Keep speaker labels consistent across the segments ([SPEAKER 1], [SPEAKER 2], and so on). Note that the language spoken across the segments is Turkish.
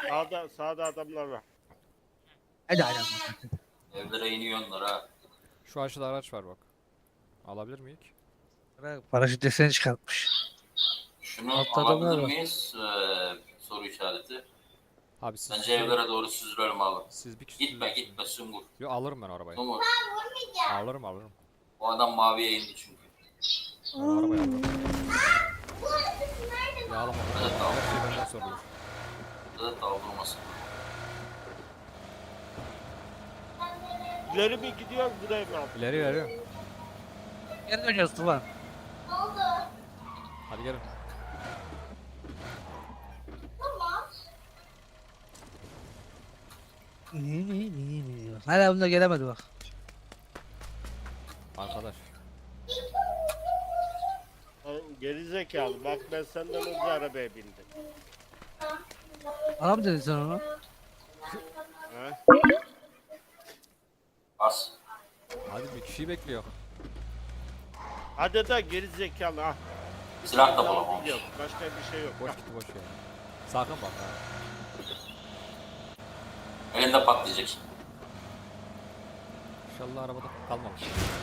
[SPEAKER 1] Sağda adamlar var.
[SPEAKER 2] Hadi hadi.
[SPEAKER 3] Evlere iniyorlar ha.
[SPEAKER 4] Şu aşağıda araç var bak. Alabilir miyiz?
[SPEAKER 2] Paraşüt deseni çıkartmış.
[SPEAKER 3] Şunu
[SPEAKER 2] Altta adamlar
[SPEAKER 3] alabilir
[SPEAKER 2] var.
[SPEAKER 3] miyiz? Soru işareti.
[SPEAKER 4] Abi siz
[SPEAKER 3] Bence evlere doğru süzülelim abi.
[SPEAKER 4] siz bir kişi
[SPEAKER 3] Gitme Sungur.
[SPEAKER 4] Yo, alırım ben arabayı.
[SPEAKER 3] Sungur.
[SPEAKER 4] Alırım.
[SPEAKER 3] O adam maviye indi çünkü.
[SPEAKER 4] Ben o arabayı alırım. Yağlama.
[SPEAKER 3] Evet, tamam.
[SPEAKER 4] Her şey benden sorulur.
[SPEAKER 3] Burada da daldırmasın.
[SPEAKER 1] İleri mi gidiyor buraya mı?
[SPEAKER 4] İleri.
[SPEAKER 2] Geri dönüyoruz Tufan.
[SPEAKER 4] Hadi gelin.
[SPEAKER 2] Hala bunda gelemedi bak.
[SPEAKER 4] Arkadaş.
[SPEAKER 1] Geri zekalı. Bak ben senden önce arabaya bindim.
[SPEAKER 2] Bana mı dedin sen onu?
[SPEAKER 1] Ha?
[SPEAKER 3] As.
[SPEAKER 4] Hadi bir kişiyi bekliyor.
[SPEAKER 1] Hadi da geri zekalı ha.
[SPEAKER 3] Silah da bulamamış.
[SPEAKER 1] Yok, başka bir şey yok.
[SPEAKER 4] Boş gitti boş ya. Sakın bak ha.
[SPEAKER 3] Elinde patlayacak şimdi.
[SPEAKER 4] İnşallah arabada kalmamış.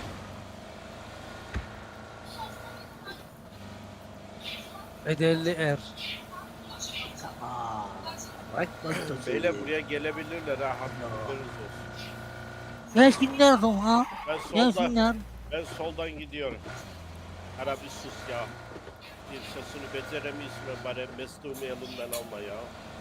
[SPEAKER 2] Bedelli er. Tamam. Bak nasıl
[SPEAKER 1] Beyler buraya gelebilirler ha. Haberiniz olsun.
[SPEAKER 2] Gelsinler Tufan.
[SPEAKER 1] Ben
[SPEAKER 2] Gelsinler.
[SPEAKER 1] soldan gidiyorum. Ara bir sus ya. Bir sesini beceremiyorsun ve bari mesleğimi elimden alma ya.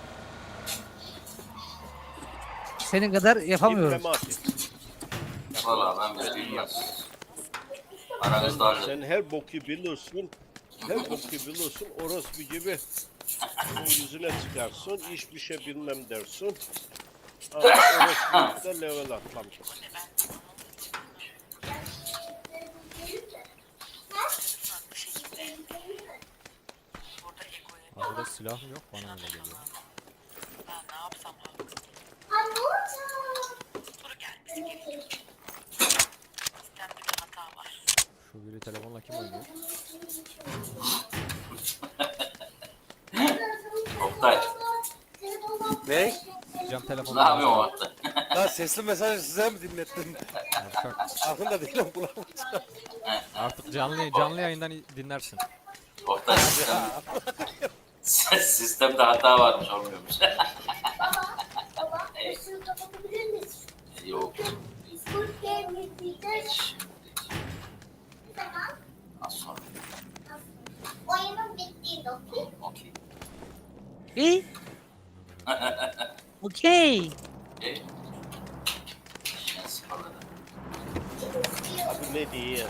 [SPEAKER 2] Senin kadar yapamıyorum.
[SPEAKER 1] İpleme atayım.
[SPEAKER 3] Valla ben bile bilmez. Aranızda halledin.
[SPEAKER 1] Sen her boku bilirsin. Her boku bilirsin. Orospu gibi yüzüne çıkarsın. Hiçbir şey bilmem dersin. Ama orospu da level atlamış.
[SPEAKER 4] Burada silah mı yok bana öyle geliyor. Şu biri telefonla kim oynuyor?
[SPEAKER 3] Oktay.
[SPEAKER 5] Ne?
[SPEAKER 4] Cam
[SPEAKER 3] Ne
[SPEAKER 4] telefonla.
[SPEAKER 3] yapıyorsun orada?
[SPEAKER 5] Ya sesli mesajı size mi dinlettin?
[SPEAKER 4] Yavşak.
[SPEAKER 5] Farkında değilim kulağım.
[SPEAKER 4] Artık canlı yayından dinlersin.
[SPEAKER 3] Oktay sistemde hata varmış olmuyormuş.
[SPEAKER 6] Işığı kapatabilir miyiz?
[SPEAKER 3] Yok.
[SPEAKER 6] Squid Game izleyeceğiz. Tamam.
[SPEAKER 3] Az sonra.
[SPEAKER 6] Oyunun bittiğinde okey.
[SPEAKER 3] Okey.
[SPEAKER 2] İyi. Okey.
[SPEAKER 3] Okey. Ben sıfırladım.
[SPEAKER 1] Abi ne diyeyim?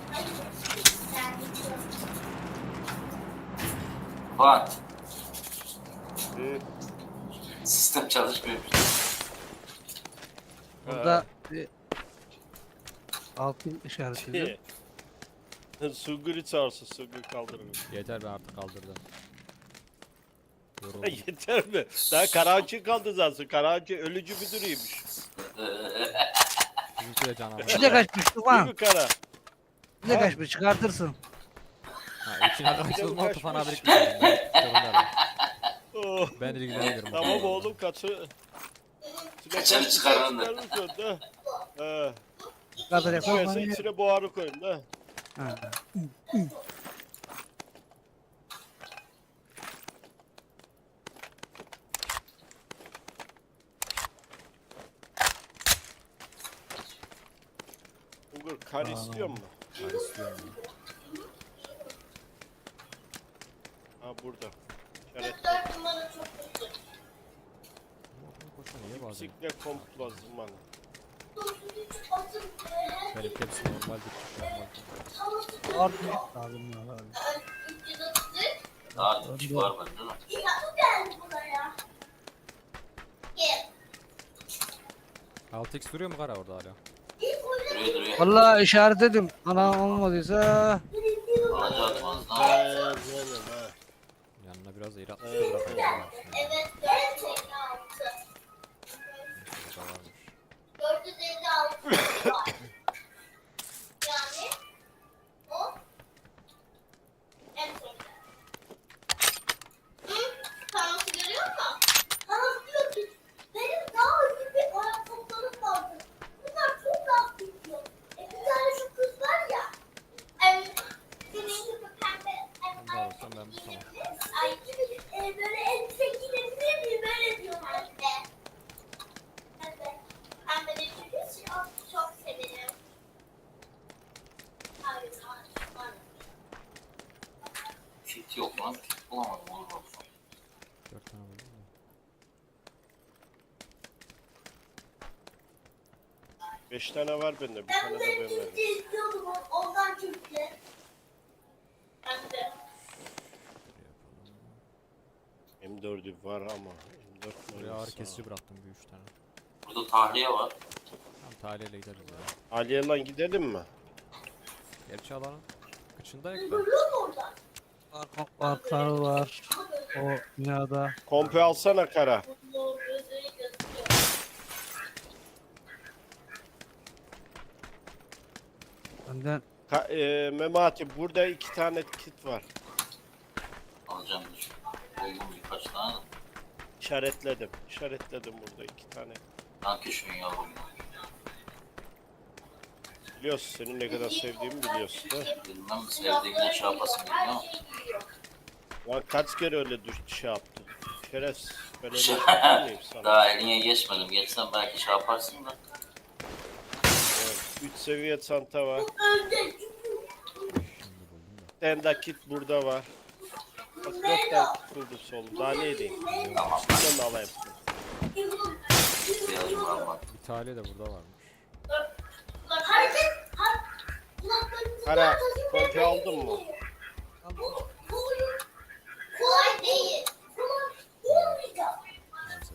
[SPEAKER 3] Fuat.
[SPEAKER 1] Hı?
[SPEAKER 3] Sistem çalışmıyormuş.
[SPEAKER 2] Burada bir altın işareti.
[SPEAKER 1] Sungur'u çağırsın. Sungur kaldırın.
[SPEAKER 4] Yeter ben artık kaldırdım. Yoruldum.
[SPEAKER 1] Yeter mi? Daha Karahançı kaldı zaten. Karahançı ölücü müdürüymüş.
[SPEAKER 4] Bizimki de canavar.
[SPEAKER 2] İçine kaçmış
[SPEAKER 1] Değil
[SPEAKER 2] Tufan.
[SPEAKER 1] mi Kara?
[SPEAKER 2] İçine kaçmış çıkartırsın.
[SPEAKER 4] Ha, içine kaçtığım
[SPEAKER 1] Kaçmış.
[SPEAKER 4] Tufan abi biriktirdim.
[SPEAKER 1] Oh.
[SPEAKER 4] Ben ilgilenirim.
[SPEAKER 1] Tamam oğlum kaçı.
[SPEAKER 3] Kaçarı çıkarın da.
[SPEAKER 1] Çıkarırız da. He.
[SPEAKER 2] Kadar yapalım.
[SPEAKER 1] Koyarsa içine buharı koyun da.
[SPEAKER 2] Ha.
[SPEAKER 1] Sungur kar istiyor mu?
[SPEAKER 4] Ben istiyorum.
[SPEAKER 1] Ha burada. İşaret.
[SPEAKER 6] 4 numara çok kötü.
[SPEAKER 4] Koşun niye bazen?
[SPEAKER 1] Sikle komplo zamanı.
[SPEAKER 4] Benim hepsi normal bir
[SPEAKER 2] Artık lazım ya. Lazım.
[SPEAKER 3] Daha küçük var bende değil mi?
[SPEAKER 6] Geldi buraya. Gel.
[SPEAKER 4] 6x duruyor mu kara orada hala?
[SPEAKER 3] Duruyor.
[SPEAKER 2] Vallahi işaretledim. Ana olmadıysa
[SPEAKER 3] Alacağız fazla.
[SPEAKER 1] Böyle ha.
[SPEAKER 4] Yanına biraz eğri atmış da bırakayım.
[SPEAKER 6] Evet 456.
[SPEAKER 4] Burada varmış.
[SPEAKER 6] 456 var. Yani o en sonunda. Hı? Parması görüyor musun? Parması
[SPEAKER 1] 5 tane var bende. Bir tane de ben verdim.
[SPEAKER 6] istiyordum ondan çünkü. Ben de.
[SPEAKER 1] M4'ü var ama M4
[SPEAKER 4] Buraya ağır
[SPEAKER 1] mermisi
[SPEAKER 4] kesici
[SPEAKER 1] var.
[SPEAKER 4] bıraktım bir 3 tane.
[SPEAKER 3] Burada tahliye var.
[SPEAKER 4] Tamam taliyle gideriz ya.
[SPEAKER 1] Aliye lan gidelim mi?
[SPEAKER 4] Gerçi alanın kıçındayız da.
[SPEAKER 6] Görüyor musun orada?
[SPEAKER 2] Var, kar var. O dünyada.
[SPEAKER 1] Kompi alsana kara.
[SPEAKER 6] Bu gözleri gözüküyor.
[SPEAKER 2] Benden
[SPEAKER 1] Memati burada 2 tane kit var.
[SPEAKER 3] Alacağım dur. Buldum birkaç tane de.
[SPEAKER 1] İşaretledim. İşaretledim burada 2 tane.
[SPEAKER 3] Sanki şunu yavrum.
[SPEAKER 1] Biliyorsun senin ne kadar sevdiğimi biliyorsun da.
[SPEAKER 3] Bilmem sevdiğinden şey yapasın
[SPEAKER 6] Her
[SPEAKER 3] bilmiyorum.
[SPEAKER 6] şey giyiyor.
[SPEAKER 1] Lan kaç kere öyle şey yaptı. Şerefsiz. Ben öyle yapmayayım sana.
[SPEAKER 3] Daha eline geçmedim. Geçsem belki şey yaparsın da.
[SPEAKER 1] Evet, 3 seviye çanta var.
[SPEAKER 6] Önde
[SPEAKER 1] Bir tane daha kit burada var. Bak 4 tane kit buldum solum. Daha ne edeyim?
[SPEAKER 3] Tamam.
[SPEAKER 1] Şuradan da alayım.
[SPEAKER 3] İhtiyacım var bak.
[SPEAKER 4] Bir taliye de burada varmış.
[SPEAKER 6] hareket. Kulaklarınızı
[SPEAKER 1] Kara kompi aldın mı?
[SPEAKER 6] Bu oyun kolay değil. Kolay olmayacak.
[SPEAKER 4] Neyse.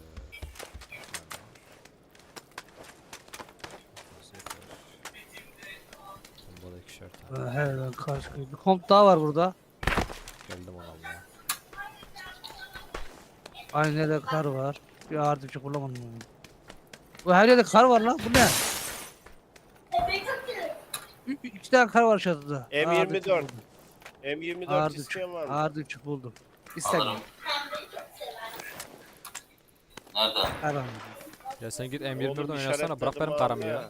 [SPEAKER 4] Bunda da 2'şer tane.
[SPEAKER 2] Her yerden kar çıkıyor. Bir komp daha var burada.
[SPEAKER 4] Geldim ona Allah'a.
[SPEAKER 2] Aynı yerde kar var. Bir ağır düşük bulamadım onu. Bu her yerde kar var lan. Bu ne?
[SPEAKER 6] Backup gelir.
[SPEAKER 2] 2 tane kar var çatıda.
[SPEAKER 1] M24.
[SPEAKER 2] Ağır düşük buldum.
[SPEAKER 1] M24
[SPEAKER 2] Ağır düşük.
[SPEAKER 1] isteyen var mı?
[SPEAKER 2] Ağır düşük buldum. İstemiyorum.
[SPEAKER 3] Alırım.
[SPEAKER 6] Pembeyi çok sever.
[SPEAKER 3] Nerede?
[SPEAKER 2] Kar var.
[SPEAKER 4] Ya sen git
[SPEAKER 1] Oğlum
[SPEAKER 4] M24'den oynasana bırak benim
[SPEAKER 1] işaretledim
[SPEAKER 4] karamı
[SPEAKER 1] abi
[SPEAKER 4] ya.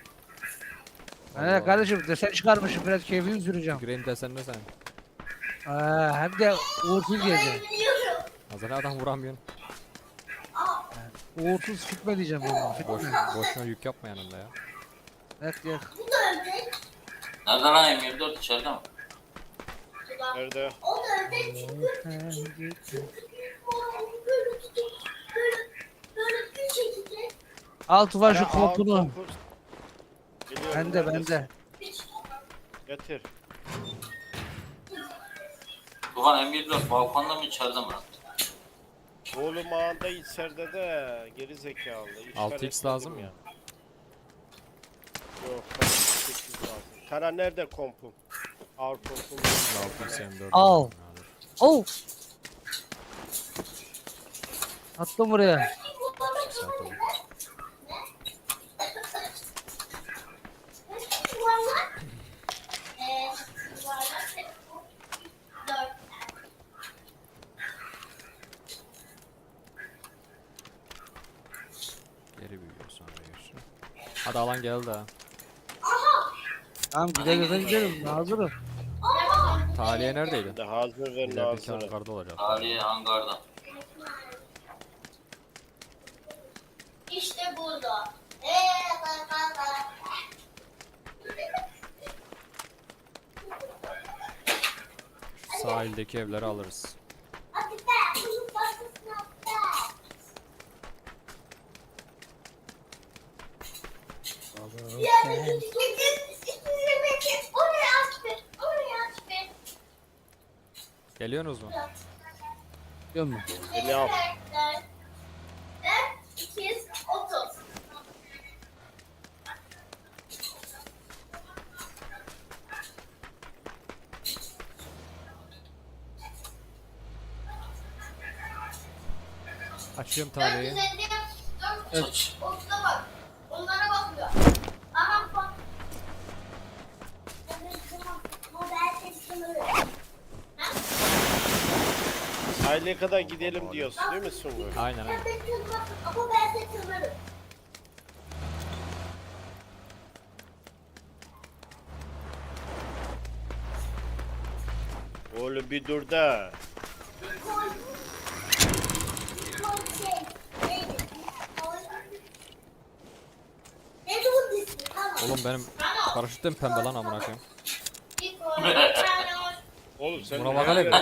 [SPEAKER 2] Evet kardeşim desen çıkarmışım. Biraz keyfini süreceğim.
[SPEAKER 4] Gireyim desen ne sen?
[SPEAKER 2] Hem de uğursuz geleceğim.
[SPEAKER 6] Biliyorum.
[SPEAKER 4] Hazır adam vuramıyorsun.
[SPEAKER 2] Uğursuz fitme diyeceğim onu.
[SPEAKER 4] Boş,
[SPEAKER 2] Fitme.
[SPEAKER 4] boşuna yük yapma yanımda ya.
[SPEAKER 2] Evet ya.
[SPEAKER 6] Bu da ördek.
[SPEAKER 3] Nerede lan M24 içeride mi?
[SPEAKER 1] Nerede?
[SPEAKER 6] O da ördek çünkü böyle tutup böyle bir şekilde
[SPEAKER 2] Al Tufan şu
[SPEAKER 1] Kara,
[SPEAKER 2] kompunu.
[SPEAKER 1] al kompu. Geliyorum,
[SPEAKER 2] Bende
[SPEAKER 1] neredesin?
[SPEAKER 2] bende.
[SPEAKER 1] Getir.
[SPEAKER 3] Tufan M24 balkonda mı içeride mi lan?
[SPEAKER 1] Oğlum ağında içeride de geri zekalı.
[SPEAKER 4] 6x lazım mı?
[SPEAKER 1] ya. Yok, 8 lazım. Kara nerede kompum? Ağır kompum.
[SPEAKER 4] 6x M4.
[SPEAKER 2] Al. Oh. Attım buraya.
[SPEAKER 6] yuvarlak. Yuvarlak. 4.
[SPEAKER 4] Geri büyüyor sonra geçiyor. Hadi alan geldi ha.
[SPEAKER 2] Tamam gidelim. Hazırım.
[SPEAKER 4] Taliye neredeydi?
[SPEAKER 1] De hazır ve
[SPEAKER 4] İlerideki
[SPEAKER 1] nazır.
[SPEAKER 4] hangarda olacak.
[SPEAKER 3] Tahliye hangarda.
[SPEAKER 6] İşte burada.
[SPEAKER 4] Şu sahildeki evleri alırız.
[SPEAKER 6] Hadi be, bunun başkasına be. Yani oraya aç be, oraya aç be.
[SPEAKER 4] Geliyorsunuz mu?
[SPEAKER 2] Biliyor musun?
[SPEAKER 1] Beni al.
[SPEAKER 6] 230.
[SPEAKER 4] Açıyorum taliyeyi.
[SPEAKER 6] 454.
[SPEAKER 3] Aç.
[SPEAKER 6] Ortada bak. Onlara bakıyor. Aha bak. Ama ben sesimi
[SPEAKER 1] Sahile kadar gidelim diyorsun değil mi Sungur?
[SPEAKER 4] Aynen aynen.
[SPEAKER 6] Ama ben sesimi
[SPEAKER 1] Oğlum bir dur da.
[SPEAKER 4] Oğlum benim paraşütüm pembe lan amına koyayım.
[SPEAKER 1] Oğlum sen
[SPEAKER 4] Buna bak hele bir.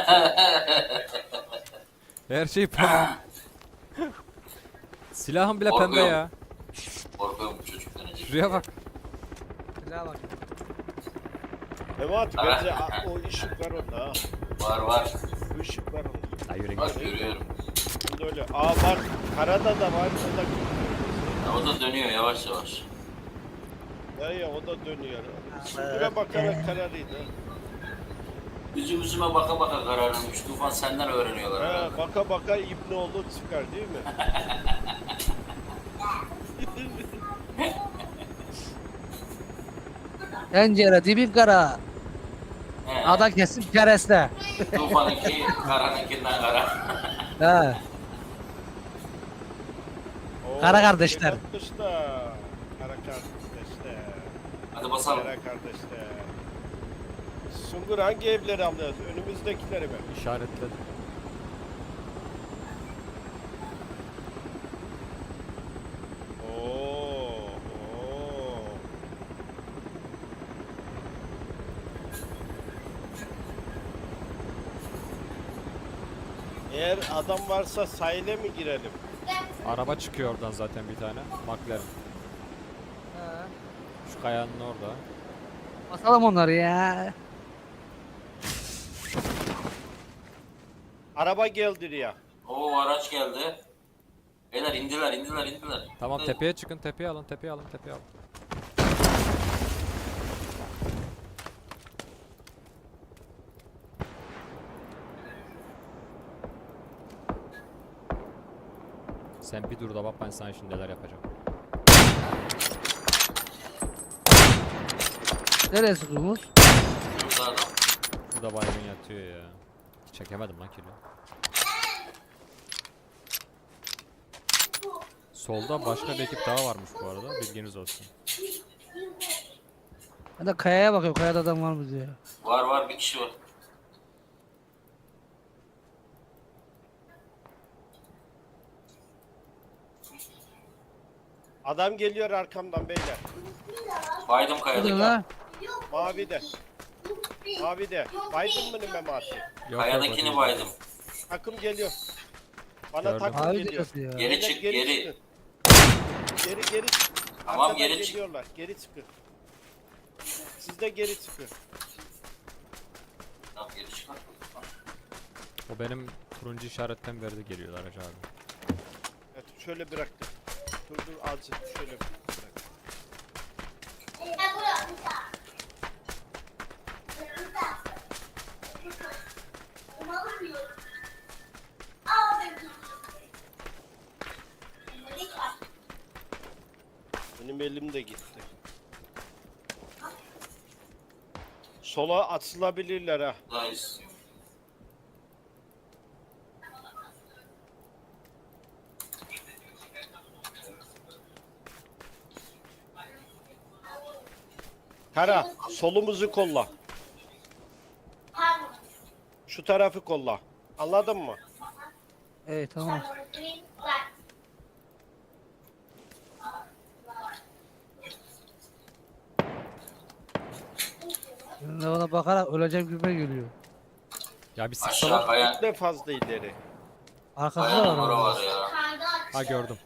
[SPEAKER 4] Her şey pembe. Silahım bile pembe ya.
[SPEAKER 3] Korkuyorum bu çocuk dönecek.
[SPEAKER 4] Şuraya bak.
[SPEAKER 2] Güzel bak.
[SPEAKER 1] Memati bence o ışık var onda ha.
[SPEAKER 3] Var.
[SPEAKER 1] Bu ışık var onda.
[SPEAKER 4] Ha yürü
[SPEAKER 3] Bak
[SPEAKER 4] git.
[SPEAKER 3] görüyorum.
[SPEAKER 1] Bunda öyle. Aa bak karada da var. O da
[SPEAKER 3] Ya, o da dönüyor yavaş yavaş.
[SPEAKER 1] ya o da dönüyor. Süngüre bakarak kararıydı.
[SPEAKER 3] Üzüme baka baka kararmış. Tufan senden öğreniyorlar
[SPEAKER 1] Ha,
[SPEAKER 3] herhalde.
[SPEAKER 1] baka baka İbnoğlu çıkar değil mi?
[SPEAKER 2] Tencere dibin kara.
[SPEAKER 3] He.
[SPEAKER 2] Ada kesin kereste.
[SPEAKER 3] Tufan'ınki karanınkinden kara.
[SPEAKER 2] He.
[SPEAKER 1] Oo,
[SPEAKER 2] Kara kardeşler.
[SPEAKER 1] Kardeşler. Kara kardeşler.
[SPEAKER 3] Hadi basalım.
[SPEAKER 1] Kara kardeşler. Sungur hangi evleri alıyoruz? Önümüzdekileri mi?
[SPEAKER 4] İşaretledim.
[SPEAKER 1] Oo. Eğer adam varsa sahile mi girelim?
[SPEAKER 4] Araba çıkıyor oradan zaten bir tane. McLaren. Şu kayanın orada.
[SPEAKER 2] Basalım onları ya.
[SPEAKER 1] Araba geldi ya.
[SPEAKER 3] Oo araç geldi. Beyler indiler.
[SPEAKER 4] Tamam tepeye çıkın, tepeye alın, tepeye alın, tepeye alın. Sen bir dur da bak ben sana şimdi neler yapacağım.
[SPEAKER 2] Nereye sıkıyorsunuz?
[SPEAKER 3] Burada adam.
[SPEAKER 4] Burada baygın yatıyor ya. Çekemedim lan kilo. Solda başka bir ekip daha varmış bu arada, bilginiz olsun.
[SPEAKER 2] Ben de kayaya bakıyorum. Kayada adam var mı diye.
[SPEAKER 3] Var bir kişi var.
[SPEAKER 1] Adam geliyor arkamdan beyler.
[SPEAKER 3] Baydım
[SPEAKER 2] Hadi
[SPEAKER 3] kayadaki.
[SPEAKER 2] lan.
[SPEAKER 1] Mavi de. Mavi de. Baydın mı Memati?
[SPEAKER 4] Yok,
[SPEAKER 3] Kayadakini
[SPEAKER 4] yok,
[SPEAKER 3] baydım.
[SPEAKER 1] Takım geliyor. Bana
[SPEAKER 4] Gördüm.
[SPEAKER 1] takım
[SPEAKER 2] Abi
[SPEAKER 1] geliyor.
[SPEAKER 2] diyorsun ya.
[SPEAKER 3] Geri çık
[SPEAKER 1] Beyler,
[SPEAKER 3] geri.
[SPEAKER 1] çıkın. Geri.
[SPEAKER 3] Tamam,
[SPEAKER 1] Arkadan
[SPEAKER 3] geri çık.
[SPEAKER 1] geliyorlar. Geri çıkın. Siz de geri çıkın.
[SPEAKER 3] Tamam geri çıkar.
[SPEAKER 4] O benim turuncu işaretten verdi geliyorlar Hacı abi.
[SPEAKER 1] Evet, şöyle bıraktım. Dur azıcık şöyle bırak. Benim elim de gitti. Sola atılabilirler ha.
[SPEAKER 3] Buradayız.
[SPEAKER 1] Kara, solumuzu kolla. Şu tarafı kolla. Anladın mı?
[SPEAKER 2] Evet tamam. Şimdi ona bakarak öleceğim gibi geliyor.
[SPEAKER 4] Ya bir
[SPEAKER 3] Aşağı
[SPEAKER 4] sıksalar.
[SPEAKER 3] kayan.
[SPEAKER 1] Ne fazla ileri.
[SPEAKER 2] Arkasında
[SPEAKER 3] Kayanın
[SPEAKER 2] var
[SPEAKER 3] bura
[SPEAKER 2] ama.
[SPEAKER 3] var ya.
[SPEAKER 4] Ha gördüm.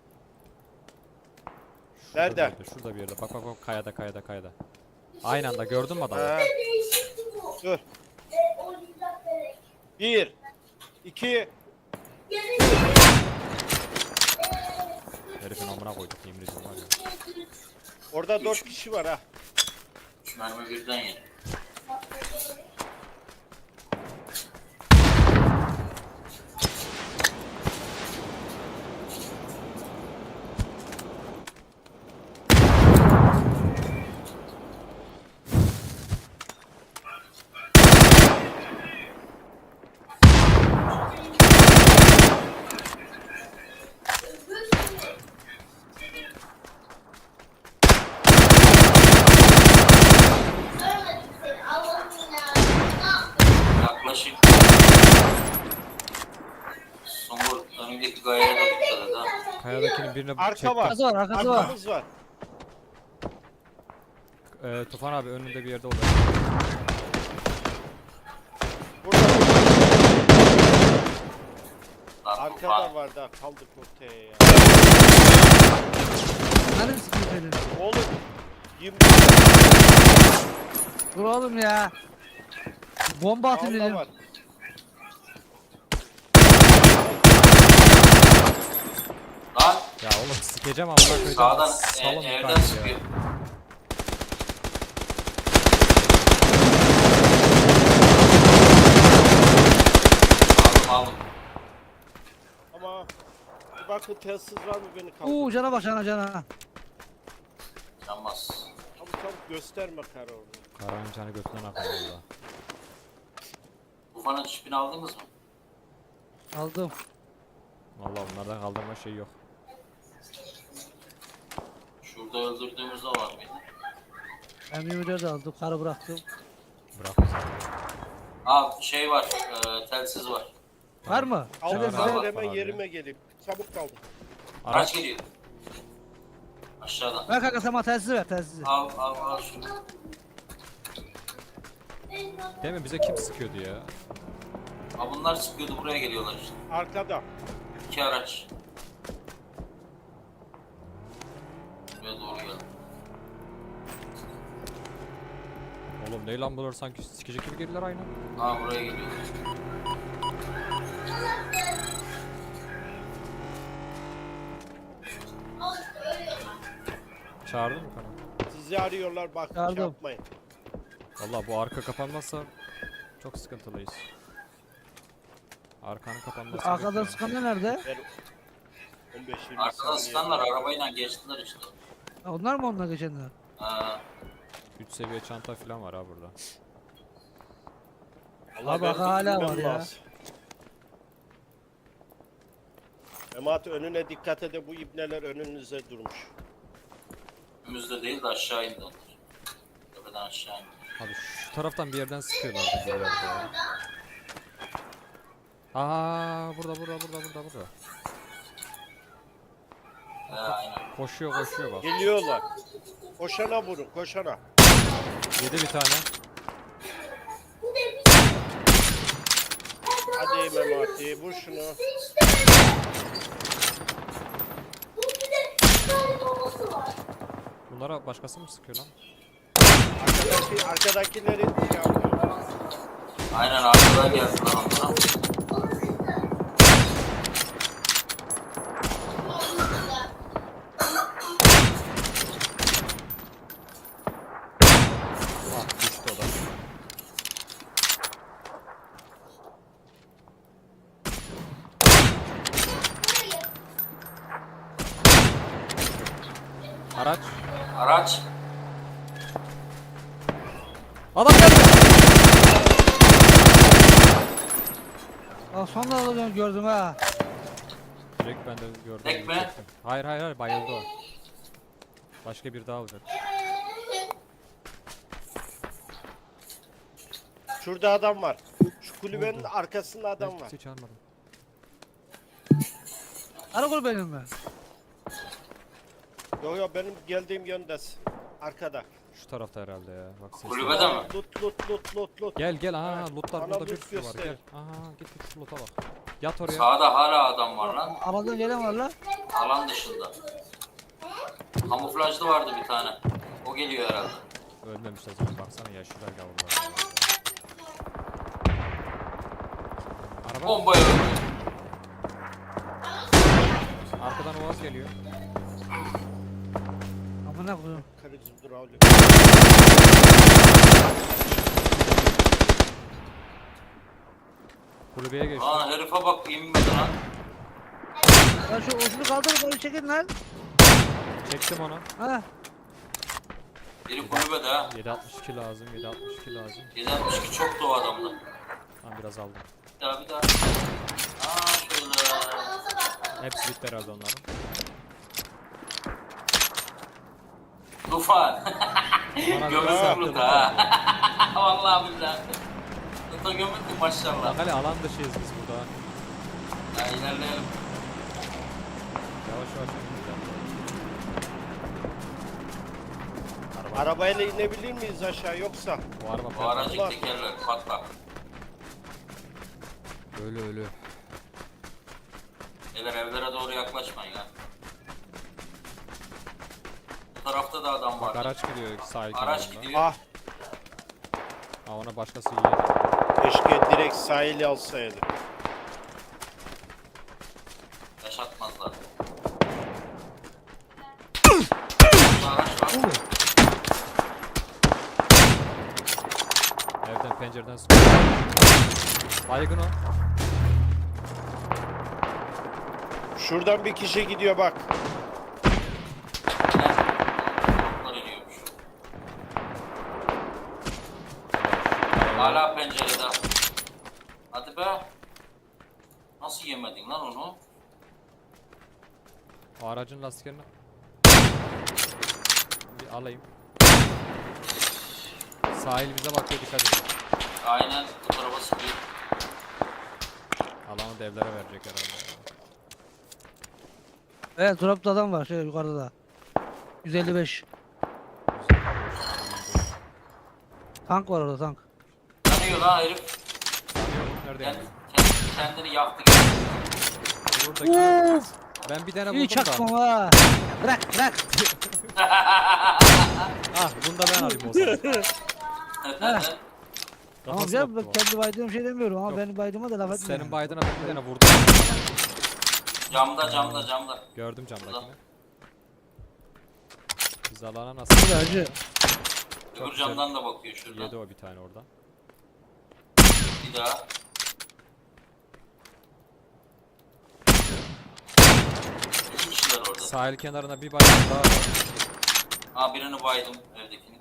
[SPEAKER 1] Nerede?
[SPEAKER 4] Şurada bir yerde. Bak kayada. Aynı anda gördün mü adamı?
[SPEAKER 1] Ha, dur. 1 2
[SPEAKER 4] Herifin amına koyduk yemin ediyorum var ya.
[SPEAKER 1] Orada 4 kişi var ha.
[SPEAKER 3] 3 mermi birden yedi. Yaklaşık. Somur önündeki gayaya da dikkat et ha.
[SPEAKER 4] Kayadakinin birine
[SPEAKER 1] Arka
[SPEAKER 4] çektim.
[SPEAKER 1] var.
[SPEAKER 2] Arkası var, arkası var.
[SPEAKER 1] Arkamız var.
[SPEAKER 4] Tufan abi önünde bir yerde oldu.
[SPEAKER 1] Burada. Arkada var da kaldık ortaya ya.
[SPEAKER 2] Nerede sıkıyor senin?
[SPEAKER 1] Oğlum 20
[SPEAKER 2] Dur oğlum ya. Bomba atayım
[SPEAKER 1] Allah
[SPEAKER 2] dedim.
[SPEAKER 1] var.
[SPEAKER 3] Lan
[SPEAKER 4] Ya oğlum sikeceğim amına koyacağım.
[SPEAKER 3] sağdan
[SPEAKER 4] Salın
[SPEAKER 3] evden
[SPEAKER 4] yukarı ya.
[SPEAKER 3] sıkıyor. Aldım.
[SPEAKER 1] Ama bir bakın telsiz var mı beni kaldır.
[SPEAKER 2] Cana bak cana.
[SPEAKER 3] Yanmaz.
[SPEAKER 1] Çabuk gösterme kara onu.
[SPEAKER 4] Karanın canı götünden akıyor valla.
[SPEAKER 3] Ufanın çipini aldınız mı?
[SPEAKER 2] Aldım.
[SPEAKER 4] Valla bunlardan kaldırma şey yok.
[SPEAKER 3] Şurada öldürdüğümüzde var mıydı?
[SPEAKER 2] Ben 24 aldım. Karı bıraktım.
[SPEAKER 4] Bırak bizi.
[SPEAKER 3] Şey var, telsiz var.
[SPEAKER 2] Var mı?
[SPEAKER 1] Al
[SPEAKER 2] Hadi
[SPEAKER 3] var,
[SPEAKER 2] sen-
[SPEAKER 3] var.
[SPEAKER 1] hemen
[SPEAKER 4] abi.
[SPEAKER 1] yerime gelip çabuk kaldım.
[SPEAKER 3] Araç
[SPEAKER 4] Araç
[SPEAKER 3] geliyor. Aşağıdan.
[SPEAKER 2] Ver kanka sen bana telsizi ver telsizi.
[SPEAKER 3] Al şunu.
[SPEAKER 4] değil mi? Bize kim sıkıyordu ya?
[SPEAKER 3] Bunlar sıkıyordu, buraya geliyorlar işte.
[SPEAKER 1] Arkada.
[SPEAKER 3] 2 araç. Buraya doğru geldi.
[SPEAKER 4] Oğlum ne lan bunlar sanki sikecek gibi geldiler aynı.
[SPEAKER 3] Buraya geliyorlar.
[SPEAKER 4] Çağırdın mı Karan?
[SPEAKER 1] Sizi arıyorlar bak
[SPEAKER 2] Yardım.
[SPEAKER 1] şey yapmayın.
[SPEAKER 4] Valla bu arka kapanmazsa çok sıkıntılıyız. Arkanın kapanması
[SPEAKER 2] Arkadan
[SPEAKER 4] bekliyorum.
[SPEAKER 2] sıkan nerede?
[SPEAKER 1] Ver 15-20
[SPEAKER 3] Arkadan
[SPEAKER 1] saniye.
[SPEAKER 3] sıkanlar arabayla geçtiler işte.
[SPEAKER 2] Ha, onlar mı onunla geçenler?
[SPEAKER 4] 3 seviye çanta falan var ha burada.
[SPEAKER 1] Allah
[SPEAKER 2] Abi hala var ya.
[SPEAKER 1] Emat önüne dikkat ede bu ibneler önünüze durmuş.
[SPEAKER 3] Önümüzde değil de aşağı indi onlar. Tepeden aşağı indi.
[SPEAKER 4] Abi şu taraftan bir yerden sıkıyorlardı birileri de ya. Burada.
[SPEAKER 3] Aynen.
[SPEAKER 4] Koşuyor bak.
[SPEAKER 1] Geliyorlar. Koşana vurun koşana.
[SPEAKER 4] Yedi bir tane.
[SPEAKER 1] Hadi Memati vur şunu.
[SPEAKER 4] Bunlara başkası mı sıkıyor lan?
[SPEAKER 1] Arkadakileri şey yapıyor.
[SPEAKER 3] Aynen arkadan geldiler onlara.
[SPEAKER 4] Ah düştü o da. Araç.
[SPEAKER 3] Araç.
[SPEAKER 4] Adam geldi.
[SPEAKER 2] Aa, son da gördüm ha.
[SPEAKER 4] Direkt ben de gördüm.
[SPEAKER 3] Tek mi?
[SPEAKER 4] çektim. Hayır bayıldı o. Başka bir daha olacak.
[SPEAKER 1] Şurada adam var. Şu kulübenin arkasında adam
[SPEAKER 4] Ben
[SPEAKER 1] var.
[SPEAKER 4] kimseyi çağırmadım.
[SPEAKER 2] Karakol benim mi?
[SPEAKER 1] Yo benim geldiğim yöndesin. Arkada.
[SPEAKER 4] Şu tarafta herhalde ya. Bak ses.
[SPEAKER 3] Kulübede mi?
[SPEAKER 1] Lut.
[SPEAKER 4] Gel aha
[SPEAKER 1] Evet,
[SPEAKER 4] lootlar
[SPEAKER 1] bana
[SPEAKER 4] burada bir
[SPEAKER 1] loot
[SPEAKER 4] sürü var
[SPEAKER 1] göster.
[SPEAKER 4] gel. Aha git şu loot'a bak. Yat oraya.
[SPEAKER 3] Sağda hala adam var lan.
[SPEAKER 2] Alandan gelen var lan.
[SPEAKER 3] Alan dışında. Kamuflajlı vardı bir tane. O geliyor herhalde.
[SPEAKER 4] Ölmemişler zaten baksana yaşlılar gavurlar. Araba
[SPEAKER 3] Bombayı öldü.
[SPEAKER 4] arkadan Oğaz geliyor.
[SPEAKER 2] Amına koyayım.
[SPEAKER 1] Karıcım dur avlu.
[SPEAKER 4] Kulübeye geçti.
[SPEAKER 3] Lan herife bak inmedi lan.
[SPEAKER 2] Ya şu ucunu kaldırıp onu çekin lan.
[SPEAKER 4] Çektim onu.
[SPEAKER 2] Ha.
[SPEAKER 3] Biri kulübede ha.
[SPEAKER 4] 762 lazım 762 lazım.
[SPEAKER 3] 762 çok da o adamda.
[SPEAKER 4] Tamam biraz aldım.
[SPEAKER 3] Bir daha. Şöyle.
[SPEAKER 4] Hepsi bitti herhalde onların.
[SPEAKER 3] Tufan.
[SPEAKER 4] Bana
[SPEAKER 3] Gömüldüm burada ha. Vallahi billahi. Tuta gömüldüm maşallah.
[SPEAKER 4] Bak hele alan dışıyız biz burada.
[SPEAKER 3] Ya ilerleyelim.
[SPEAKER 4] Yavaş gidelim.
[SPEAKER 1] Arabayla inebilir miyiz aşağı yoksa?
[SPEAKER 4] Bu araba
[SPEAKER 3] Bu aracın
[SPEAKER 1] Ulan.
[SPEAKER 3] tekerleri patlak.
[SPEAKER 4] ölü.
[SPEAKER 3] Beyler evlere doğru yaklaşmayın ya. Bu tarafta da adam
[SPEAKER 4] Bak
[SPEAKER 3] var.
[SPEAKER 4] araç gidiyor sahil
[SPEAKER 3] Araç
[SPEAKER 4] kenarında.
[SPEAKER 3] gidiyor.
[SPEAKER 1] Ah,
[SPEAKER 4] Aa, ona başkası yiyor.
[SPEAKER 1] keşke direkt sahili alsaydı.
[SPEAKER 3] Yaşatmazlar. Burada araç var.
[SPEAKER 4] Evden pencereden sıkıyor. Baygın o.
[SPEAKER 1] Şuradan bir kişi gidiyor bak.
[SPEAKER 3] Bunlar iniyormuş. Hala pencerede. Hadi be. Nasıl yemedin lan onu?
[SPEAKER 4] O aracın lastiklerini bir alayım. Sahil bize bakıyor, dikkat edin.
[SPEAKER 3] Aynen bu tarafa sıkıyor.
[SPEAKER 4] Alanı da evlere verecek herhalde.
[SPEAKER 2] Evet dropta adam var şey yukarıda da. 155. Tank var orada tank.
[SPEAKER 3] Yanıyor lan herif.
[SPEAKER 4] Nerede
[SPEAKER 3] Kendi,
[SPEAKER 4] yani?
[SPEAKER 3] kendini yaktı.
[SPEAKER 4] Buradaki... Ben bir tane
[SPEAKER 2] İyi
[SPEAKER 4] buldum da.
[SPEAKER 2] çaktım ha. Bırak bırak.
[SPEAKER 4] Ah, bunu da ben alayım o zaman.
[SPEAKER 2] Tamam
[SPEAKER 4] Kafası
[SPEAKER 2] canım
[SPEAKER 4] baktı
[SPEAKER 2] ben
[SPEAKER 4] o.
[SPEAKER 2] kendi baydığım şey demiyorum ama
[SPEAKER 4] Yok.
[SPEAKER 2] benim baydığıma da laf etme.
[SPEAKER 4] Senin baydına ben bir tane vurdum.
[SPEAKER 3] Camda.
[SPEAKER 4] Gördüm camdakini. Biz alana nasıl?
[SPEAKER 2] Hadi hacı.
[SPEAKER 3] Öbür
[SPEAKER 4] güzel.
[SPEAKER 3] camdan da bakıyor şuradan.
[SPEAKER 4] Yedi o bir tane oradan.
[SPEAKER 3] Bir daha. İki kişiler orada.
[SPEAKER 4] Sahil kenarına bir bayrak daha var.
[SPEAKER 3] Ha birini baydım evdekini.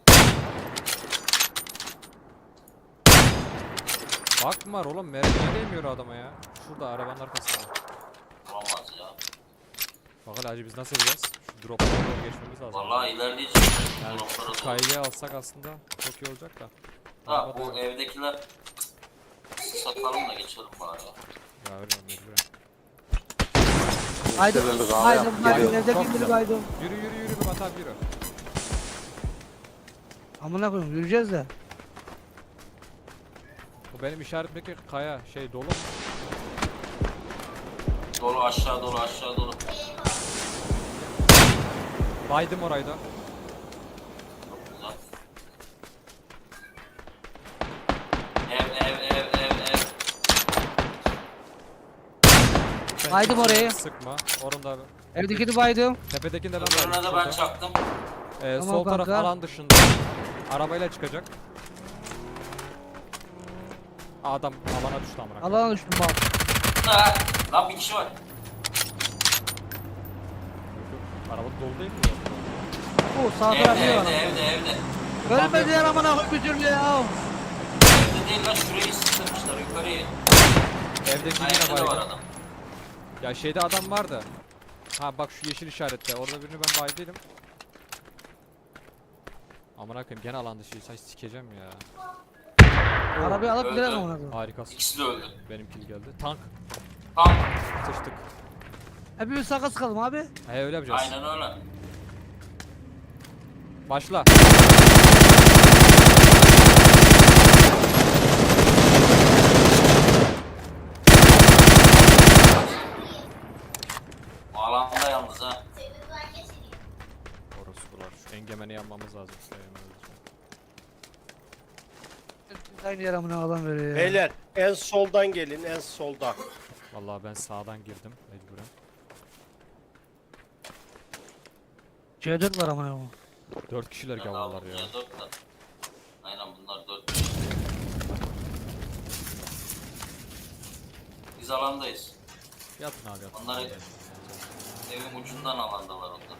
[SPEAKER 4] Bak var oğlum, mermiye değmiyor adama ya. Şurada arabanın arkasında.
[SPEAKER 3] Olamaz ya.
[SPEAKER 4] Bak hele hacı biz nasıl yapacağız? Şu drop'a doğru geçmemiz lazım.
[SPEAKER 3] Vallahi ilerleyeceğiz.
[SPEAKER 4] Yani
[SPEAKER 3] Bloklara doğru.
[SPEAKER 4] kayıya alsak aslında çok iyi olacak da.
[SPEAKER 3] Ha
[SPEAKER 4] Araba da
[SPEAKER 3] bu
[SPEAKER 4] yok.
[SPEAKER 3] evdekiler satalım da geçelim bari ya.
[SPEAKER 4] Ya öyle mecburen.
[SPEAKER 2] Baydım.
[SPEAKER 5] Devirdik abi,
[SPEAKER 2] Baydım.
[SPEAKER 5] yap.
[SPEAKER 2] Baydım.
[SPEAKER 4] Çok
[SPEAKER 2] Evdeki biri
[SPEAKER 4] güzel.
[SPEAKER 2] baydım.
[SPEAKER 4] Yürü yürü yürü Murat abi yürü.
[SPEAKER 2] Amına koyayım yürüyeceğiz de.
[SPEAKER 4] Bu benim işaretimdeki kaya şey dolu.
[SPEAKER 3] Dolu aşağı dolu.
[SPEAKER 4] Baydım orayı da.
[SPEAKER 3] Çok güzel. Ev.
[SPEAKER 4] Sen
[SPEAKER 2] Baydım
[SPEAKER 4] kimseye
[SPEAKER 2] orayı.
[SPEAKER 4] Sıkma. Orada
[SPEAKER 2] Evdekini baydım.
[SPEAKER 4] tepedekini de ben
[SPEAKER 3] Öbürüne
[SPEAKER 4] baydım.
[SPEAKER 3] de ben
[SPEAKER 4] Şurada.
[SPEAKER 3] çaktım.
[SPEAKER 2] Tamam
[SPEAKER 4] Sol taraf
[SPEAKER 2] kanka.
[SPEAKER 4] alan dışında. Arabayla çıkacak. Adam alana düştü amına. koyayım.
[SPEAKER 2] Allah'ına düştüm bak.
[SPEAKER 3] Ha, lan bir kişi var.
[SPEAKER 4] Araba dolu değil mi?
[SPEAKER 2] O sağ taraf ne var?
[SPEAKER 3] Evde.
[SPEAKER 2] Ölmediler amına koyayım bir türlü ya.
[SPEAKER 3] Evde değil lan şurayı sıkıştırmışlar yukarıyı.
[SPEAKER 4] Evdeki
[SPEAKER 3] Ha
[SPEAKER 4] yine
[SPEAKER 3] evde de var
[SPEAKER 4] baydım.
[SPEAKER 3] adam.
[SPEAKER 4] Ya şeyde adam vardı. Ha bak şu yeşil işarette. Orada birini ben baydıydım. Amına koyayım gene alan dışı. Saç sikeceğim ya.
[SPEAKER 2] Arabayı alıp
[SPEAKER 3] Öldü.
[SPEAKER 2] gidelim amına koyayım.
[SPEAKER 4] Harikasın.
[SPEAKER 3] İkisi de öldü.
[SPEAKER 4] Benim kill geldi. Tank.
[SPEAKER 3] Tam.
[SPEAKER 4] Sıçtık.
[SPEAKER 2] Hepimiz sakat sıkalım abi.
[SPEAKER 4] He öyle yapacağız.
[SPEAKER 3] Aynen öyle.
[SPEAKER 4] Başla.
[SPEAKER 3] O alanda yalnız ha.
[SPEAKER 4] Orospular. Şu engemeni yanmamız lazım.
[SPEAKER 2] Aynı yer amına adam veriyor ya.
[SPEAKER 1] Beyler en soldan gelin, en soldan.
[SPEAKER 4] Vallahi ben sağdan girdim mecburen.
[SPEAKER 2] C4 var amına koyayım.
[SPEAKER 4] 4 kişiler gavurlar ya.
[SPEAKER 3] Dört var. Aynen bunlar 4. Biz alandayız.
[SPEAKER 4] Yatın abi yatın.
[SPEAKER 3] Onları evin ucundan alandalar onlar.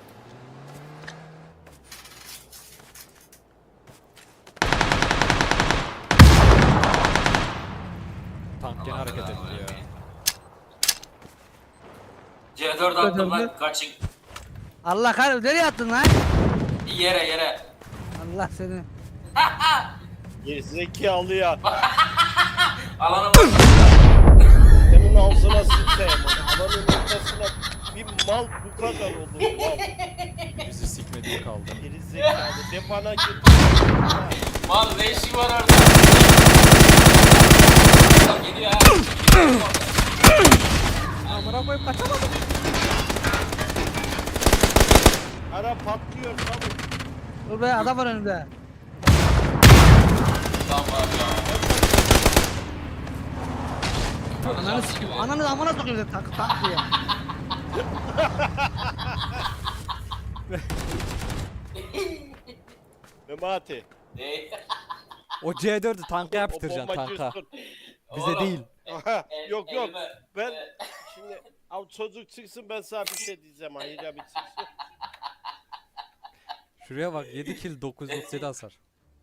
[SPEAKER 4] Tank gene hareket etti ya.
[SPEAKER 3] C4 attım lan kaçın.
[SPEAKER 2] Allah kahretsin nereye attın lan?
[SPEAKER 3] Yere.
[SPEAKER 2] Allah seni.
[SPEAKER 1] Gerizekalı ya.
[SPEAKER 3] Alana bak.
[SPEAKER 1] Senin ağzına sıçayım. Alanın ortasına bir mal bu kadar olur. Mal.
[SPEAKER 4] Bizi sikmediği kaldı.
[SPEAKER 1] Gerizekalı. Depana git.
[SPEAKER 3] Mal ne işi var orada? Adam geliyor ha. Geliyor orada.
[SPEAKER 4] Amına koyup kaçamadım.
[SPEAKER 1] Ara patlıyor çabuk.
[SPEAKER 2] Dur be adam var önümde.
[SPEAKER 3] Tamam ya.
[SPEAKER 2] Ananı sikeyim. Ananı amına sokayım dedi tak diye.
[SPEAKER 1] Memati.
[SPEAKER 3] Ne?
[SPEAKER 4] O C4'ü tanka
[SPEAKER 1] O
[SPEAKER 4] yaptıracaksın
[SPEAKER 1] bombacı
[SPEAKER 4] tanka.
[SPEAKER 1] üstün.
[SPEAKER 4] Bize
[SPEAKER 3] Oğlum,
[SPEAKER 4] değil.
[SPEAKER 1] Yok yok.
[SPEAKER 3] elime-
[SPEAKER 1] Ben şimdi av çocuk çıksın ben sana bir şey diyeceğim. Hayır abi çıksın.
[SPEAKER 4] Şuraya bak 7 kill 937 hasar.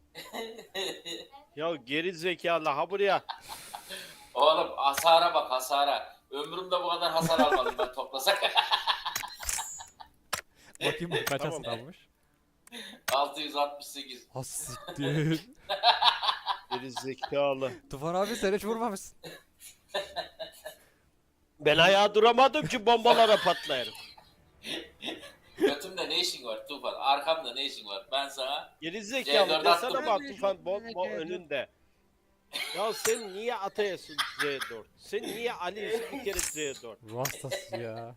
[SPEAKER 1] Ya geri zekalı ha buraya.
[SPEAKER 3] Oğlum hasara bak hasara. Ömrümde bu kadar hasar almadım ben toplasak.
[SPEAKER 4] Bakayım kaç
[SPEAKER 1] Tamam.
[SPEAKER 4] hasar almış.
[SPEAKER 3] 668.
[SPEAKER 4] Ha siktir.
[SPEAKER 1] Geri zekalı.
[SPEAKER 4] Tufan abi sen hiç vurmamışsın.
[SPEAKER 1] Ben ayağa duramadım ki bombalara patlayarım.
[SPEAKER 3] Götümde ne işin var Tufan? Arkamda ne işin var? Ben sana
[SPEAKER 1] Geri zekalı
[SPEAKER 3] C4
[SPEAKER 1] desene
[SPEAKER 3] attım.
[SPEAKER 1] bak Tufan bomba önünde. Ya sen niye atayasın C4? Sen niye Ali'sin bir kere C4?
[SPEAKER 4] Ruh hastası ya.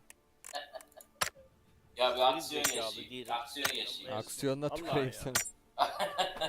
[SPEAKER 3] ya bir aksiyon
[SPEAKER 1] zekalı
[SPEAKER 3] yaşayayım.
[SPEAKER 1] değilim.
[SPEAKER 3] Aksiyon yaşayayım.
[SPEAKER 4] Aksiyonla
[SPEAKER 1] Allah
[SPEAKER 4] tüküreyim
[SPEAKER 1] ya.
[SPEAKER 4] seni.